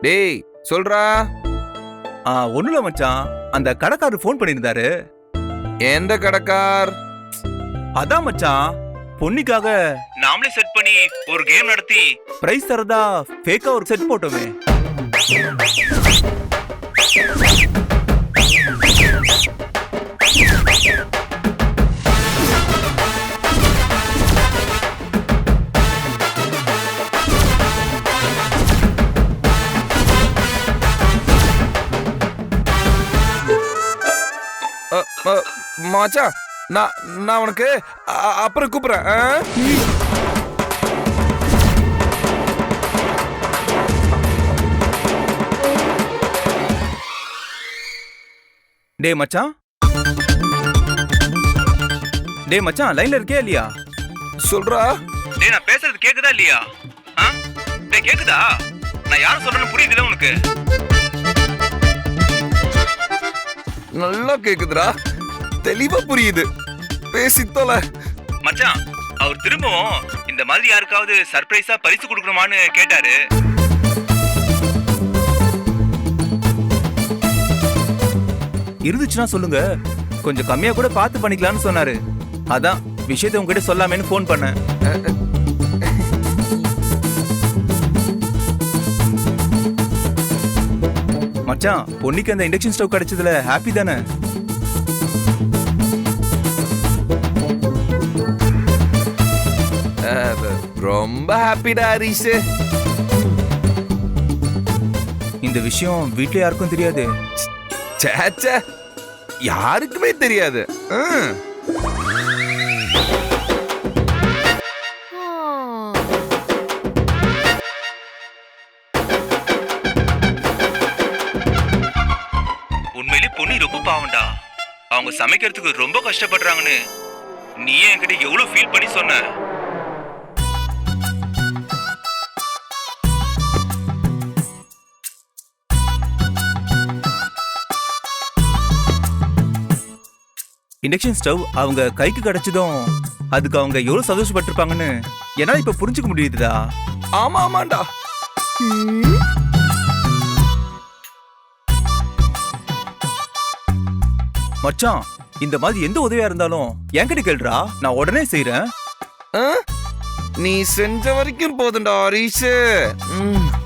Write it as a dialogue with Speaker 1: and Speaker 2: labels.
Speaker 1: டேய் சொல்றா.
Speaker 2: ஒண்ணுல மச்சான், அந்த கடைக்காரர் ஃபோன் பண்ணியிருந்தாரு.
Speaker 1: எந்த கடைக்கார்?
Speaker 2: அதான் மச்சான், பொன்னிக்காக நாமளே செட் பண்ணி ஒரு கேம் நடத்தி பிரைஸ் தரதா ஃபேக்கா ஒரு செட் போட்டோமே.
Speaker 1: மச்சான் நான் உனக்கு அப்புறம் கூப்பிடுறேன்.
Speaker 2: டேய் மச்சான், லைன்ல இருக்கே இல்லையா?
Speaker 1: சொல்றா.
Speaker 2: டேய் நான் பேசுறது கேக்குதா இல்லையா? டேய் கேக்குதா? நான் யார சொல்றேன்னு புரியுதுல உனக்கு?
Speaker 1: நல்லா கேக்குதுடா, தெளிவா புரியுது. பேசி தொலை
Speaker 2: மச்சான். அவர் திரும்பவும் இந்த மாதிரி யாருக்காவது சர்ப்ரைஸா பரிசு கொடுக்கணுமான்னு கேட்டாரு. இருந்துச்சுன்னா சொல்லுங்க, கொஞ்சம் கம்மியா கூட பார்த்து பண்ணிக்கலாம்னு சொன்னாரு. அதான் விஷயத்தை உங்ககிட்ட சொல்லாமேன்னு ஃபோன் பண்ணேன். மச்சான், பொன்னிக்கு அந்த இண்டக்ஷன் ஸ்டவ் கிடைச்சதுல ஹாப்பி தானே?
Speaker 1: ரொம்ப ஹாப்பிடா ஹரிஷ்.
Speaker 2: இந்த விஷயம் வீட்ல யாருக்கும் தெரியாது.
Speaker 1: சேச்சே, யாருக்குமே தெரியாது.
Speaker 2: உண்மையிலே பொன்னி ரொம்ப பாவம்டா. அவங்க சமைக்கிறதுக்கு ரொம்ப கஷ்டப்படுறாங்கன்னு நீ என்கிட்ட எவ்வளவு ஃபீல் பண்ணி சொன்ன. இண்டக்ஷன் ஸ்டவ் அவங்க கைக்கு கிடைச்சதும் அதுக்கு அவங்க எவ்வளவு சந்தோஷப்பட்டிருப்பாங்கன்னு என்னால இப்ப புரிஞ்சுக்க முடியுதுடா.
Speaker 1: ஆமாண்டா.
Speaker 2: மச்சான், இந்த மாதிரி எந்த உதவியா இருந்தாலும் என்கிட்ட கேளுடா, நான் உடனே செய்யறேன்.
Speaker 1: நீ செஞ்ச வரைக்கும் போதும்டா ஹரிஷ்.